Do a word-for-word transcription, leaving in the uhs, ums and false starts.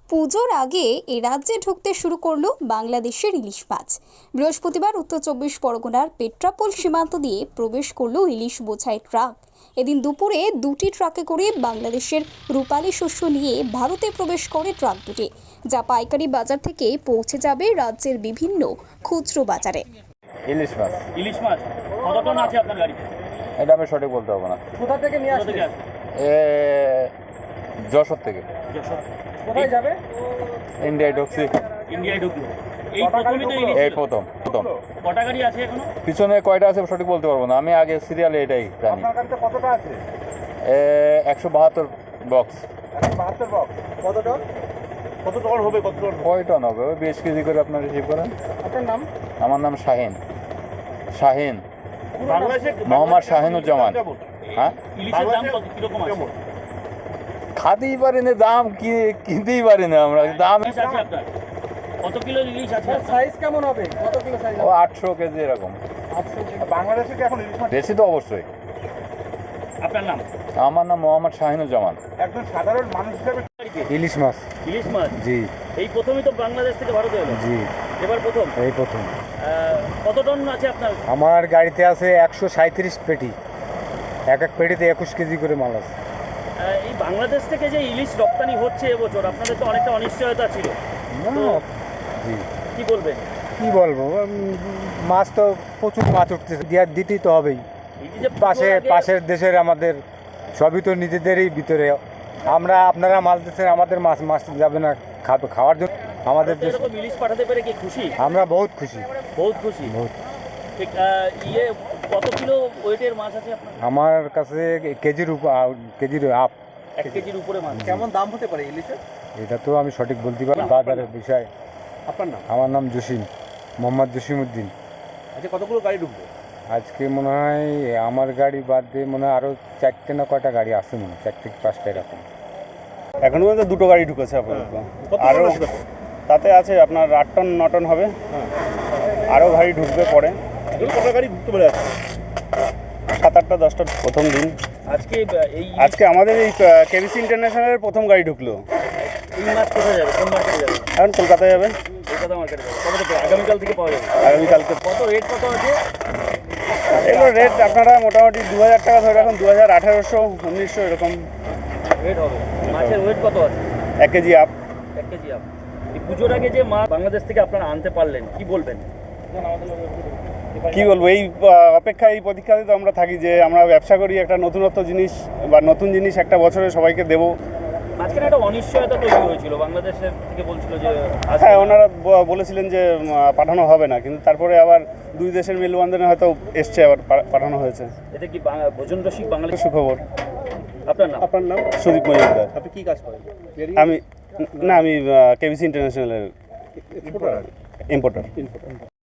পুজোর আগে এ রাজ্যে ঢুকতে শুরু করলো বাংলাদেশের ইলিশ মাছ। বৃহস্পতিবার উত্তর চব্বিশ পরগনার পেট্রাপোল সীমান্ত দিয়ে প্রবেশ করলো ইলিশ বোঝাই ট্রাক। এদিন দুপুরে দুটি ট্রাকে করে বাংলাদেশের রূপালী শস্য নিয়ে ভারতে প্রবেশ করে ট্রাক দুটি, যা পাইকারি বাজার থেকে পৌঁছে যাবে রাজ্যের বিভিন্ন খুচরো বাজারে। ইলিশ মাছ ইলিশ মাছ কত টন আছে আপনার গাড়িতে? এটা আমি সঠিক বলতে পারবো না। কোথা থেকে নিয়ে আসবে? এ যশোর থেকে। কোথায় যাবে? ইন্ডিয়ায় ঢুকছি। ইন্ডিয়ায় ঢুকলো এই প্রথমই তো ইলিশ এই প্রথম প্রথম কটা গাড়ি আছে এখনো? পিছনে কয়টা আছে সঠিক বলতে পারবো না, আমি আগে সিরিয়ালে এটাই জানি। আপনার গাড়িতে কতটা আছে? এ একশো বাহাত্তর বক্স। বাহাত্তর বক্স। কত টন? কত টন হবে? কত টন? কয় টন হবে? ওই বিশ কেজি করে আপনার রিসিভ করেন। আপনার নাম? আমার নাম শাহিন। শাহিন বাংলাদেশে মোহাম্মদ শাহিনুজ্জামান। হ্যাঁ, ইলিশের দাম কত কিরকম আছে? খাতেই পারি না, দাম কি কিনতেই পারি না আমরা। দাম ইলিশ আছে আপনার? কত কিলো ইলিশ আছে? সাইজ কেমন হবে? কত কিলো সাইজ ও হবে? আটশো কেজি এরকম। বাংলাদেশে কি এখন ইলিশ মাছ? বেশি তো অবশ্যই। আপনার নাম? আমার নাম মোহাম্মদ শাহিনুজ্জামান। একজন সাধারণ মানুষ হিসেবে ইলিশ মাছ। ইলিশ মাছ জি এই প্রথমই তো বাংলাদেশ থেকে ভারতে এলো? জি এবার প্রথম। এই প্রথম। আহ, কত টন আছে আপনার? আমার গাড়িতে আছে একশো সাঁত্রিশ পেটি, এক এক পেটিতে একুশ কেজি করে মাল আছে। আহ, এই বাংলাদেশ থেকে যে ইলিশ রপ্তানি হচ্ছে এবছর, আপনাদের তো অনেকটা অনিশ্চয়তা ছিল, না, তো- জি কি বলবেন? কি বলবো, উম, মাছ তো প্রচুর মাছ উঠতেছে, দেওয়ার দিতেই তো হবেই। এই যে পাশে পুজোর আগে- পাশের দেশের আমাদের সবই তো নিজেদেরই ভিতরে। আমরা আপনারা মাছ দিচ্ছেন, আমাদের মাছ মাছ যাবে না খাবে খাওয়ার জন্য আমাদের ভারতে দেশ। এরকম ইলিশ পাঠাতে পেরে কি খুশি? আমরা বহুত খুশি, বহুত খুশি। বহুত। ঠিক, আহ, ইয়ে কত কিলো ওয়েটের মাছ আছে আপনার? আমার কাছে কেজির উপ কেজির আপ। এক কেজির উপরে মাছ। কেমন দাম হতে পারে ইলিশের? এটা তো আমি সঠিক বলতে পারি না, বাজারের বিষয়। আপনার নাম? আমার নাম জসিম, মোহাম্মদ জসিম উদ্দিন। আচ্ছা, কতগুলো গাড়ি ঢুকবে? আজকে মনে হয় আমার গাড়ি বাদ দিয়ে মনে হয় আরও চারটে না কয়টা গাড়ি আছে, মনে হয় চারটে কি পাঁচটা এরকম। এখনো পর্যন্ত দুটো গাড়ি ঢুকেছে আপাতত। কত আরও টন আছে তাতে? তাতে আছে আপনার আট টন ন টন হবে। আরও গাড়ি ঢুকবে পরে, এগুলো কত গাড়ি ঢুকতে পারে আজকে? সাত আটটা দশটা প্রথম দিন। আজকে আহ, এই আজকে আমাদের এই কেবিসি ইন্টারন্যাশনালের প্রথম গাড়ি ঢুকলো। এই মাছ কোথায় যাবে? কোন মার্কেটে যাবে? এখন কলকাতায় যাবে কলকাতা মার্কেটে যাবে। কবে থেকে? আগামীকাল থেকে পাওয়া যাবে। আগামীকালকে। কত রেট কত আছে? এগুলো রেট আপনারা মোটামুটি দু হাজার টাকা ধরে রাখুন, দু হাজার আঠারোশো উনিশশো এরকম রেট হবে। মাছের ওয়েট কত আছে? এক কেজি আপ। এক কেজি আপ। এই পুজোর আগে যে মাছ বাংলাদেশ থেকে আপনারা আনতে পারলেন, কি বলবেন? কি বলবো, এই আহ, অপেক্ষা এই প্রতীক্ষাতে তো আমরা থাকি যে আমরা ব্যবসা করি, একটা নতুনত্ব জিনিস বা নতুন জিনিস একটা বছরে সবাইকে দেবো। মাঝখানে একটা অনিশ্চয়তা তৈরি হয়েছিল, বাংলাদেশের থেকে বলছিল যে আসবে হ্যাঁ, না। ওনারা ব- বলেছিলেন যে উম, পাঠানো হবে না, কিন্তু তারপরে আবার দুই দেশের মেলবন্ধনে হয়তো এসছে, আবার পা- পাঠানো হয়েছে। এতে কি বাঙা- ভোজন রসিক বাঙালি? সুখবর। আপনার নাম? আপনার নাম? সুদীপ মজুমদার। আপনি কি কাজ করেন? আমি না আমি কেবিসি ইন্টারন্যাশনালের এক্সপোর্টার? ইম্পোর্টার।